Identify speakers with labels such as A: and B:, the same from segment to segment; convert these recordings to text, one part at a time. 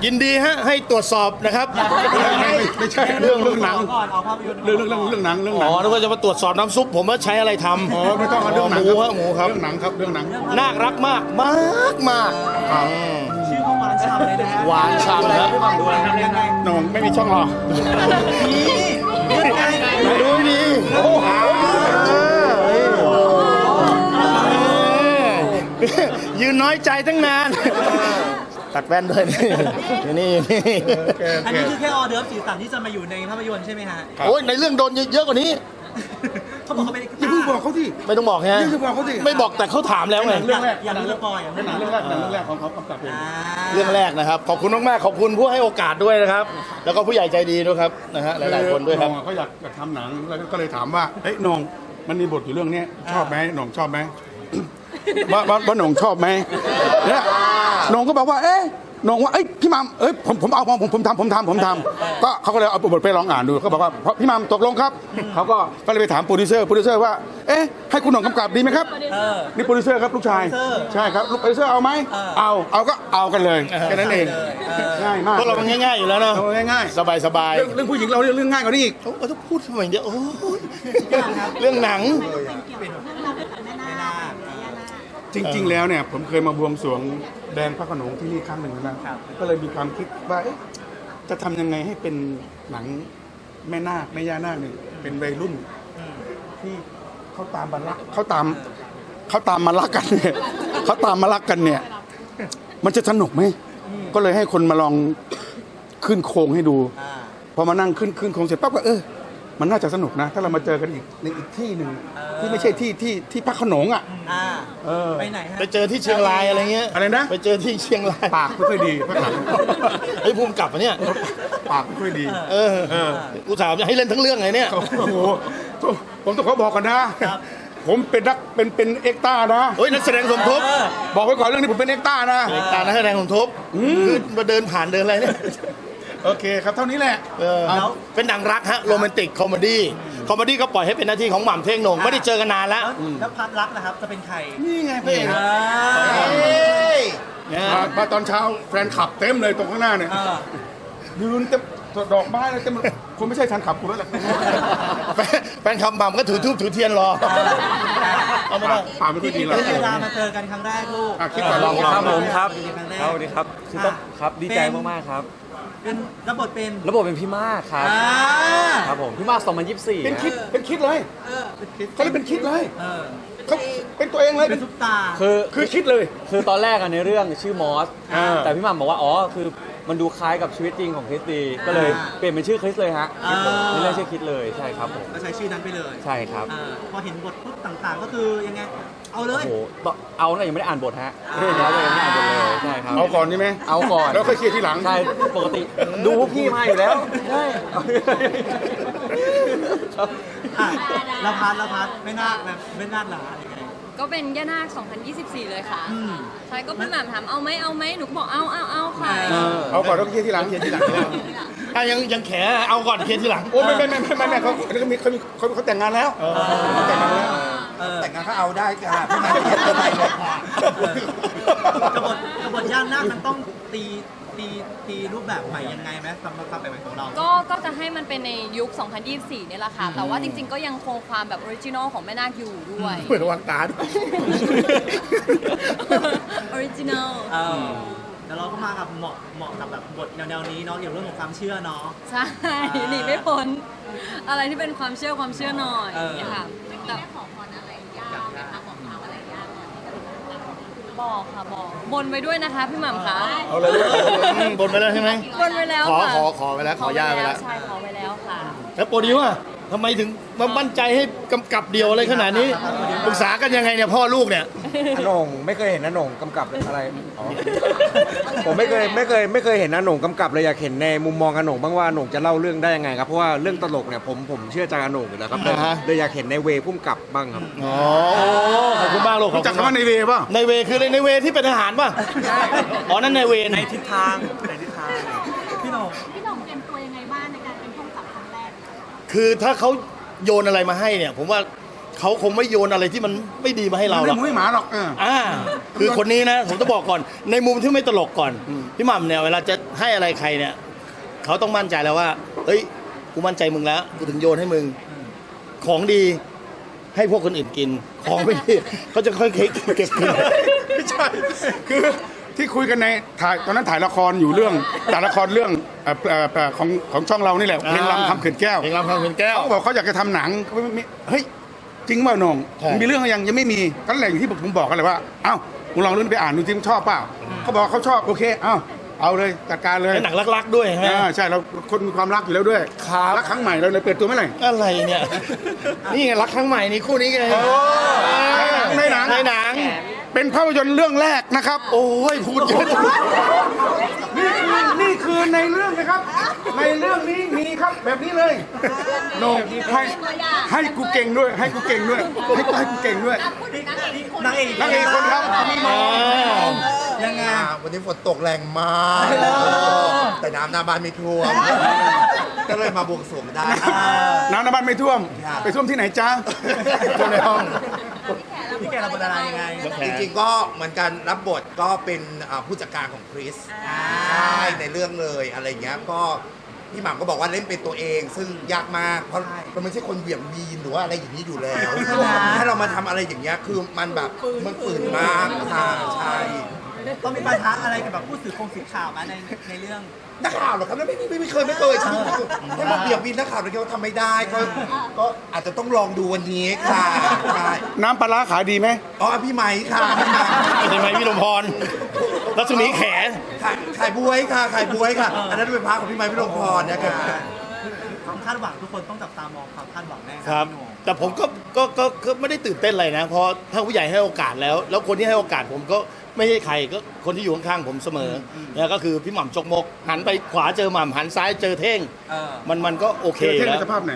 A: ยินดีฮะให้ตรวจสอบนะครับ
B: ไม่ใช่เรื่องหนัง
C: ก่อนเอาภาพยนตร์
B: เรื่องหนัง
A: อ๋อนึกว่าจะมาตรวจสอบน้ำซุปผมว่าใช้อะไรทำ
B: อ๋อไม่ต้องเอาเรื่องหนัง
A: หมูฮะหมูครับ
B: เรื่องหนังครับเรื่องหนัง
A: น่ารักมากมากมาก
C: ชื่อเขาหวานฉ่ำเลยนะฮะ
A: หวานฉ่ำนะ
C: ดูอะไรยังไง
B: หน้องไม่มีช่องหรอ
C: นี่ยังไง
A: ดูดียืนน้อยใจตั้งนานตัดแว่นด้วยนี่นี่
C: อันนี้คือแค่ออเดิร์ฟสีสันที่จะมาอยู่ในภาพยนตร์ใช่ไหมฮะ
A: โอ้ยในเรื่องโดนเยอะกว่านี้
C: เขาบอกเขาเป็น
B: อย่าเพิ่งบอกเขาที่
A: ไม่ต้องบอกฮะ
B: อย่าบอกเขาสิ
A: ไม่บอกแต่เขาถามแล้วไง
B: เรื่องแรก
C: อย่างนี้สปอยอย่าง
B: เรื่องแรกของเขากำกับเอง
A: เรื่องแรกนะครับขอบคุณมากๆขอบคุณผู้ให้โอกาสด้วยนะครับ แล้วก็ผู้ใหญ่ใจดีด้วยครับนะฮะหลายๆคนด้วยครับ
B: น้องเขาอยากทำหนังแล้วก็เลยถามว่าเฮ้ยน้องมันมีบทอยู่เรื่องนี้ชอบไหมน้องชอบไหมว่าน้องชอบไหมเนี่ยน้องก็บอกว่าเอ๊ะน้องว่าเอ้ยพี่มัมเอ้ยผมเอาผมทำก็เขาก็เลยเอาบทไปลองอ่านดูเขาบอกว่าพี่มัมตกลงครับเขาก็เลยไปถามโปรดิวเซอร์ว่าเอ๊ะให้คุณหน่องกำกับดีไหมครับนี่โปรดิวเซอร์ครับลูกชายใช่ครับลูกโปรดิวเซอร์เอาไหมเอาก็เอากันเลยแค่นั้นเองง่ายมาก
A: พวกเรามันง่ายๆอยู่แล้วเนาะ
B: ง่าย
A: สบาย
B: เรื่องผู้หญิงเราเรื่องง่ายกว่านี้อีก
A: ๆเขาต้องพูดทำไมเดี๋ยวโอ้ยเรื่องหนัง
B: จริง ๆ แล้วเนี่ยผมเคยมาบวงสรวงแดงพระโขนงที่นี่ครั้งหนึ่งนะก็เลยมีความคิดว่าเอ๊ะจะทำยังไงให้เป็นหนังแม่นาคแม่ย่านาคเนี่ยเป็นวัยรุ่นที่เขาตามมารักเขาตามมารักกันเนี่ยเขาตามมารักกันเนี่ย มันจะสนุกไหมก็เลยให้คนมาลองขึ้นโครงให้ดูพอมานั่งขึ้นโครงเสร็จปั๊บก็มันน่าจะสนุกนะ ถ้าเรามาเจอกันอีกในอีกที่หนึ่งที่ไม่ใช่ที่พระโขนงอ่ะ
C: ไปไหนฮะ
A: ไปเจอที่เชียงรายอะไรเงี้ย
B: อะไรนะ
A: ไปเจอที่เชียงราย
B: ปากไม่ค่อยดีข้างหลัง
A: ไอ้ภูมิกลับปะเนี่ย
B: ปากไม่ค่อยดี
A: กูถามจะให้เล่นทั้งเรื่องไงเนี่ย
B: โอ้โหผมต้องขอบอกก่อนนะ ผมเป็นนักเป็นเอ็กต้านะ
A: เฮ้ยนักแสดงสมทบ
B: บอกไว้ก่อนเรื่องนี้ผมเป็นเอ็กต้านะ
A: ตานักแสดงสมทบคือมาเดินผ่านเดินอะไรเนี่ย
B: โอเคครับเท่านี้แหละ
A: แล้วเป็นหนังรักฮะโรแมนติกคอมเมดี้ก็ปล่อยให้เป็นหน้าที่ของหม่ำเท่งโหน่งไม่ได้เจอกันนานแล้ว
C: แล้วพัดรักนะครับจะเป็นใคร
B: นี่ไงพี่ มาตอนเช้าแฟนขับเต็มเลยตรงข้างหน้าเนี่ยยืนเต็มดอกไม้เลยเต็มคนไม่ใช่แฟนขับกูแล้วแหละ
A: แฟนคำหม่ำก็ถือทูบถือเทียนรอเอาไม่ได้
B: ปากไม่ค่อยดี
C: ที่
B: แล้ว
C: เวลามาเจอกันครั้งแรกลูก
B: คิดก่อนลอง
D: ครับผมครับ
C: ครั้งแรก
D: สวัสดีครับคือต้องครับดีใจมากๆครับ
C: เป็นรับบทเป็น
D: ระบบเป็นพี่มากครับครับผมพี่มาก2024
B: เป็นคิดเลยเขาเลยเป็นคิดเลยเขาเป็นตัวเองเลย
C: เป็นซุปตา
B: คือคิดเลย
D: คือตอนแรกอะในเรื่องชื่อมอส
B: อ่า
D: แต่พี่หม่ำบอกว่าอ๋อคือมันดูคล้ายกับชีวิตจริงของคริสตีก็เลยเปลี่ยนเป็นชื่อคริสเลยฮะในเรื่องชื่อคริสเลยใช่ครับผม
C: ก็ใช้ชื่อนั้นไปเลย
D: ใช่ครับ
C: พอเห็นบทปุ๊บต่างๆ ก็คือยังไง เอาเล
D: โอ้
C: ย
D: โหเอาน่ะยังไม่ได้อ่านบทฮะเรื่องนี้เรายังไม่ได้อ่านบทเลยใช่ครับ
B: เอาก่อนใช่ไหม
D: เอาก่อน
B: แล้วค่อยเคลียร์ทีหลัง
D: ใช่ปกติดูพวกพี่มาอยู่แล้วใช่ครับ
C: แล้วพัดไม่น่าแบบไม่น่าหลายังไง
E: ก็เป็นย่านาค 2024 เลยค่ะ ใช่ ก็พี่หม่ำถามเอาไหม หนูก็บอกเอาค่ะ
B: เอาก่อนแล้วเคลียร์ทีหลัง
A: ยังแขเอาก่อนเคลียร์ทีหลัง
B: โอ้ไม่เขาแต่งงานแล้วแต่งงานแล้ว
F: แต่งงานก็เอาได้ค่ะพี่มาเขียนอะไรเลยค่ะ
C: กบฏย่านหน้ามันต้องตีรูปแบบใหม่ยังไงไหมสำหรับความใหม่ของเรา
E: ก็จะให้มันเป็นในยุค 2024 เนี่ยแหละค่ะ แต่ว่าจริงๆ ก็ยังคงความแบบออริจินอลของแม่นาคอยู่ด้วย
A: เปิดระวังตาด้วย
E: ออริจินอล
C: แล้วเราก็มากับเหมาะกับแบบบทแนวๆนี้เนาะเกี่ยวกับเรื่องของความเชื่อเนาะ
E: ใช่ หนีไม่พ้น อะไรที่เป็นความเชื่อหน่อยค่ะแต่บอกค่ะบอกบนไว้ด้วยนะคะพี่หม่ำคะ
A: เอาเลยบนไปแล้วใช่ไหม
E: บนไว้แล้ว
A: ขอ
E: ค่ะ
A: ขอไปแล้วขอย่าไปแล้ว
E: ใช่ขอไว้แล้วค่ะ
A: แล้วโปรดิวอะทำไมถึงมามั่นใจให้กำกับเดียวอะไรขนาดนี้ปรึกษากันยังไงเนี่ยพ่อลูกเนี่ย
F: อาหน่งไม่เคยเห็นอาหน่งกำกับอะไรอ๋อผมไม่เคยเห็นอาหน่งกำกับเลยอยากเห็นในมุมมองอาหน่งบ้างว่าอาหน่งจะเล่าเรื่องได้ยังไงครับเพราะว่าเรื่องตลกเนี่ยผมเชื่อใจอาหน่งอยู่แล้วครับเลยอยากเห็นในเวพุ่มกับบ้างครับ
A: อ๋อขอบคุณมากลูก
B: รู้จักคำว่าในเวป่ะ
A: ในเวคือในเวที่เป็นทหารป่ะอ๋อนั่นในเวในทิศทาง
C: พี่หน่อง
G: พี่หน่องเตรียมตัวยังไงบ้างในการเป็นผู้กำกับครั้งแรก
A: คือถ้าเขาโยนอะไรมาให้เนี่ยผมว่าเขาคงไม่โยนอะไรที่มันไม่ดีมาให้เราหร
B: ไม่
A: อก
B: หมูไม่หมาหรอก
A: คือคนนี้นะผมต้องบอกก่อน ในมุมที่ไม่ตลกก่อน พี่หม่ำเนี่ยเวลาจะให้อะไรใครเนี่ยเขาต้องมั่นใจแล้วว่าเฮ้ยกูมั่นใจมึงแล้วกูถึงโยนให้มึง ของดีให้พวกคนอื่นกิน ของไม่ดีเขาจะค่อยๆเก็บกิน
B: ไม่ใช่คือที่คุยกันในถ่ายตอนนั้นถ่ายละครอยู่เรื่องถ่ายละครเรื่องของช่องเรานี่แหละเพลงรำคำเขื่อนแก้ว
A: เพลงรำคำเขื่อนแก้ว
B: เขาบอกเขาอยากจะทำหนังเขาไม่เฮ้ยจริงเปล่าหนง
A: ใช่
B: มีเรื่องยังไม่มีก็แหล่งที่ผมบอกกันเลยว่าเอ้ามึงลองเรื่องนี้ไปอ่านดูจริงชอบเปล่าเขาบอกเขาชอบโอเคเอาเลยจัดการเลย
A: เป็นหนังรักๆด้วยใช่ไหม
B: ใช่เราคนมีความรักอยู่แล้วด้วย
A: ครับ
B: รักครั้งใหม่เราเลยเปิดตัวเมื่อไหร่
A: อะไรเนี่ย นี่ไงรักครั้งใหม่นี่คู่นี้ไง
B: ในหนัง
A: ในหนัง
B: เป็นภาพยนตร์เรื่องแรกนะครับ
A: โอ้ยพูดเยอะ
B: นี่คือในเรื่องนะครับ ในเรื่องนี้มีครับแบบนี้เลยโหนงให้กูเก่งด้วย ให้กูเก่งด้วยให้กูเก่งด้วย
C: นางเอก
B: นางเอกคนครับมีมอง
C: ยังไง
G: วันนี้ฝนตกแรงมาก แต่น้ำหน้าบ้านไม่ท่วม ก็เลยมาบวงสรวงได้
B: น้ำในบ้านไม่ท่วม ไปท่วมที่ไหนจ้าท่วมในห้อง
C: พี่แกเราเป็นอะไรยังไง
G: จริงๆก็เหมือนกันรับบทก็เป็นผู้จัดการของคริสใช่ในเรื่องเลยอะไรเงี้ยก็พี่หม่ำก็บอกว่าเล่นเป็นตัวเอง ซึ่งยากมากเพราะเราไม่ใช่คนเหวี่ยงวีนหรือว่าอะไรอย่างนี้อยู่แล้วถ้าเรามาทำอะไรอย่างเงี้ยคือมันแบบมันฝืนมากค่ะใช่
C: ต้องมีปัญหาอะไรกับแบบผู้สื่อข่าวมาในเรื่อง
G: นักข่าวเหรอครับไม่เคยให้มาเบียบวินนักข่าวเลยเขาทำไม่ได้ก็อาจจะต้องลองดูวันนี้ค่ะใช่
B: น้ำปลาร้าขายดีไหม
G: อ๋อพี่ไม้ค่ะพี่ไม้
A: ใช่ไหมพี่ลมพรรัศมีแข
G: ขายบวยค่ะขายบวยค่ะ อันนั้นเป็นพาของพี่ไม้พี่ลงพรนะคะ
C: ความคาดหวังทุกคนต้องจับตามองความคาดหวังแน่
A: ครับ
C: พี่โหน่ง
A: แต่ผมก็ไม่ได้ตื่นเต้นอะไรนะ เพราะถ้าผู้ใหญ่ให้โอกาสแล้ว แล้วคนที่ให้โอกาสผมก็ไม่ใช่ใครก็คนที่อยู่ข้างๆผมเสมอเนี่ยก็คือพี่หม่ำจกมก หันไปขวาเจอหม่ำหันซ้ายเจอเท่ง มันก็โอเค
B: เท่ง
A: แล้
B: ใน
A: ว
B: สภาพไหน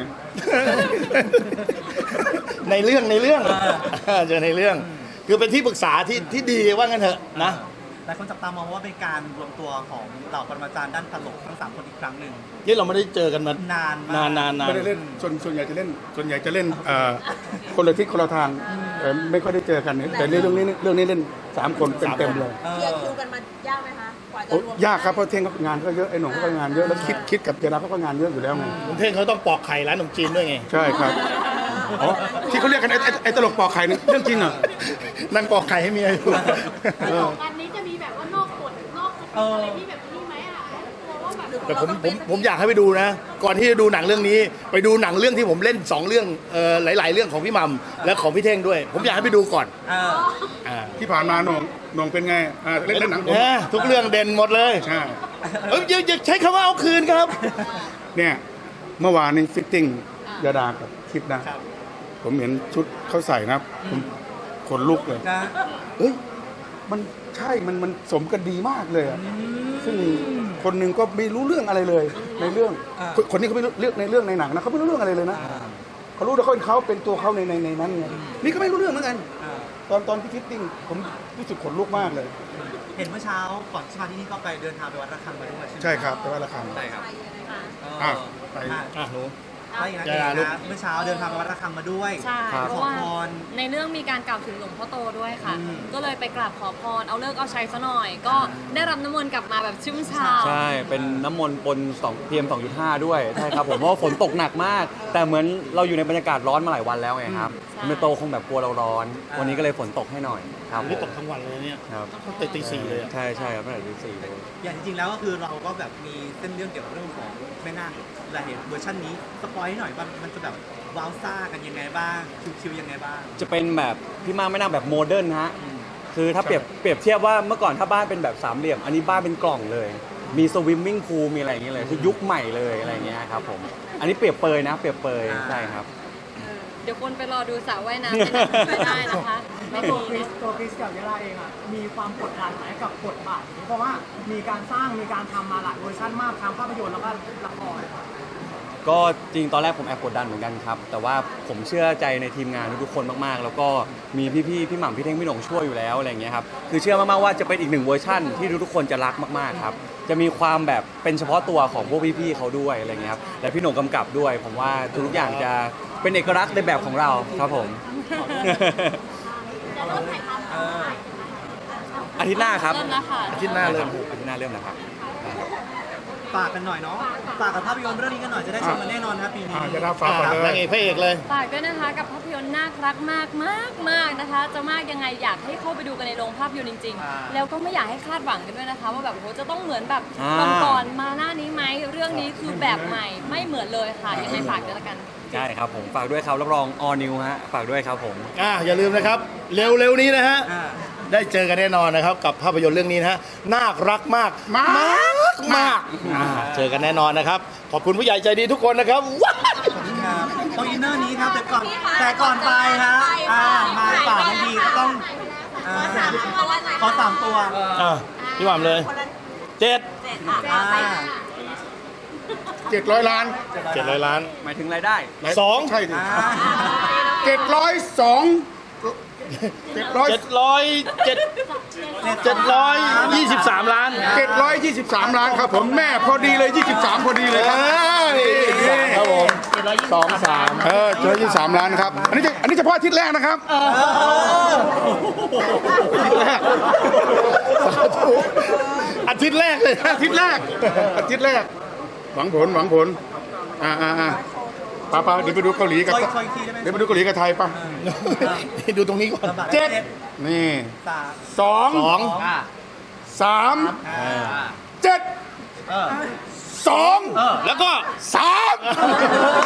A: ในเรื่องเจอในเรื่อง คือเป็นที่ปรึกษาที่ดีว่างั้นเถอะนะ
C: หลายคนจับตามองว่าเป็นการรวมตัวของเหล่าปรมาจารย์ด้านตลกทั้ง 3 คนอีกครั้งหนึ่ง
A: นี่เราไม่ได้เจอกันมาน
C: านมาก
A: นาน
B: ไม่ได้เล่นส่วนใหญ่จะเล่นคนละทิศคนละทางไม่ค่อยได้เจอกันแต่เรื่องนี้เล่น3 คนเต็มๆเลย
C: เอ
H: เคลีย
C: อ
H: ร์คิวกันมายากไหมคะกว่าจะ
B: โอ้
H: รวม
B: ยากครับเพราะเท่งเขางานก็เยอะไอ้หนุ่มเขาก็งานเยอะแล้วคิดกับเจราเขาก็งานเยอะอยู่แล้วไง
A: ผมเท่งเขาต้องปอกไข่ร้านขนมจีนด้วยไง
B: ใช่ครับอ๋อที่เขาเรียกกันไอ้ตลกปอกไข่นี่เรื่องจริงเหรอ
A: นั่งปอกไข่ให้เมียอยู่
I: อันนี้จะมีแบบว่านอกกฎนอกสคริปต์อะไรที่แบบนี้ไหมอ่ะกลัวว่าแบบ
A: แต่ผมอยากให้ไปดูนะ ก่อนที่จะดูหนังเรื่องนี้ ไปดูหนังเรื่องที่ผมเล่น2 เรื่องหลาย ๆ เรื่องของพี่หม่ำและของพี่เท่งด้วย ผมอยากให้ไปดูก่อน
B: ที่ผ่านมาหน่งเป็นไงเล่นหนังผม
A: ทุกเรื่องเด่นหมดเลย
B: ใช่
A: อย่าใช้คำว่าเอาคืนครับ
B: เนี่ยเมื่อวานนี้ฟิตติ้งยาดากับคิดนะ ผมเห็นชุดเขาใส่นะผมขนลุกเลย
C: นะ
B: เฮ้ยมันใช่มันสมกันดีมากเลยอะซึ่งคนหนึ่งก็ไม่รู้เรื่องอะไรเลยในเรื่องคนนี้เขาไม่รู้เรื่องในเรื่องในหนังนะเขาไม่รู้เรื่องอะไรเลยนะเขารู้แต่เขาเป็นตัวเขาในนั้นไงนี่ก็ไม่รู้เรื่องเหมือนกันตอนที่ฟิตติ้งผมรู้สึกขนลุกมากเลย
C: เห็นเมื่อเช้าก่อนที่มาที่นี่ก็ไปเดินทางไปวัดระฆังมาด้วย
B: ใช่ครับแต่ว่าราคา
C: ใช่ครับ
B: อ่ะไป
A: หนู
C: ใช่ครับเมื่อเช้าเดินทางไปวัดระฆังมาด้วย
E: ใช่
C: ไป
E: เพ
C: ข
E: ราะ
C: อ
E: ว่า
C: พร
E: ในเรื่องมีการกล่าวถึงหลวงพ่อโตด้วยค่ะ
C: อืม
E: ก็เลยไปกราบขอพร เอาเลิกเอาชัยซะหน่อย ก็ได้รับน้ำมนต์กลับมาแบบชุ่มฉ่ำ
D: ใช่ เป็นน้ำมนต์ปน2 PM 2.5 ด้วย ใช่ครับผม เพราะว่าฝนตกหนักมาก แต่เหมือนเราอยู่ในบรรยากาศร้อนมาหลายวันแล้วไงครับ
E: ใช่
D: เมโตคงแบบกลัวเราร้อน วันนี้ก็เลยฝนตกให้หน่อยครับผ
A: นี่
D: ม
A: ตกทั้งวันเลยเนี่ย
D: ครับ
A: ตั้งแต่ตี 4เลยอะ
D: ใช่ใช่ครับตั้งแต่ตี 4เลย
C: อย่างจริงๆแล้วก็คือเราก็แบบมีเส้นเรื่องเกี่ยวกับเรื่องของแม่นาคเราเห็นเวอร์ชันนี้สปอยให้หน่อยว่ามันจะแบบว้าวซ่ากันยังไงบ้างชิวๆยังไงบ้าง
D: จะเป็นแบบพี่มาไม่นั่งแบบโมเดิร์นฮะ คือถ้าเปรียบเทียบว่าเมื่อก่อนถ้าบ้านเป็นแบบสามเหลี่ยม อันนี้บ้านเป็นกล่องเลย มีสวิมมิ่งพูลมีอะไรอย่างเงี้ยเลย คือยุคใหม่เลยอะไรอย่างเงี้ยครับผม อันนี้เปรียบเปยนะ เปรียบเปยใช่ครับ
E: เดี๋ยวคนไปรอดูสระว่ายน้ำในหนังไม่ได้นะคะ ไม่
J: ตัว
E: มี
J: คริสกับยาลาเองอ่ะมีความกดดันไหมกับบทบาทนี้เพราะว่ามีการสร้างมีการทำมาหลายเวอร์ชันมากทั้งภาพยนตร์แล้วก็ละคร
D: ก็จริงตอนแรกผมแอบกดดันเหมือนกันครับ แต่ว่าผมเชื่อใจในทีมงานทุกๆคนมากๆ แล้วก็มีพี่หม่ำพี่เท่งพี่หน่งช่วยอยู่แล้วอะไรอย่างเงี้ยครับคือเชื่อมากๆว่าจะเป็นอีก1 เวอร์ชั่นที่ทุกๆคนจะรักมากๆครับจะมีความแบบเป็นเฉพาะตัวของพวกพี่ๆเขาด้วยอะไรเงี้ยครับและพี่โหน่งกำกับด้วย ผมว่าทุกอย่างจะเป็นเอกลักษณ์ในแบบของเราครับผม
I: จะเริ่มถ่ายทำเมื่อไหร่
D: อาทิตย์หน้าครับ
E: เริ่มแล้วค่ะ
A: อาทิตย์หน้าเริ่ม
D: อาทิตย์หน้าเริ่มนะครับ
C: ฝากกันหน่อยเนาะฝากกับภาพยนตร์เรื่องนี้กันหน่อยจะได้ชมกันแน่นอนนะครับปีนี้
B: จะได้ฝากกันเล
A: นาย งเอกพระเอกเลย
E: ฝากด้วยนะคะกับภาพยนตร์น่ารักมากมากมากนะคะ จะมากยังไงอยากให้เข้าไปดูกันในโรงภาพยนตร์จริง ๆ แล้วก็ไม่อยากให้คาดหวังกันด้วยนะคะ ว่าแบบโหจะต้องเหมือนแบบ
D: อ่า
E: ก่อนๆมาหน้านี้ไหมเรื่องนี้คือแบบใหม่ไม่เหมือนเลยค่ะยังไงฝากด้วยละกัน
D: ใช่ครับผมฝากด้วยครับรับรอง all new ฮะฝากด้วยครับผม
A: อย่าลืมนะครับ เร็วๆนี้นะฮะ
C: อ่า
A: ได้เจอกันแน่นอนนะครับ กับภาพยนตร์เรื่องนี้นะฮะน่ารักมากมากเจอกันแน่นอนนะครับ ขอบคุณผู้ใหญ่ใจดีทุกคนนะครับว้าว
C: ครับตรงอินเนอร์นี้ครับแต่ก่อนไปฮะมาฝากทันทีก็ต้องขอ3 ตัว
A: พี่หม่ำเลย7
C: อ่า
B: 700 ล้าน
A: 700 ล้าน
D: หมายถึงรายได้
A: 2
B: ใช่ดิ
C: อ่า
B: 702
A: 723 ล้าน
B: 723 ล้านครับผมแม่พอดีเลย 23 พอดีเลยครับ
A: ครับผม
B: 723 ล้านครับ อันนี้เฉพาะอาทิตย์แรกนะครับ
A: อาทิตย์แรกเลย
B: อาทิตย์แรก หวังผลป้าเดี๋ยวไปดูเกาหลีกับ
C: คอยอีกทีได้ไหม
B: เดี๋ยวไปดูเกาหลีกับไทยป่ะ
A: ดูตรงนี้ก่อน
C: ลำบาก
B: เจ็ด นี่
C: 3
B: 2
C: อ่า
B: 3
C: อ่า
B: 7
C: เออ
B: 2
A: แล้วก็
B: 3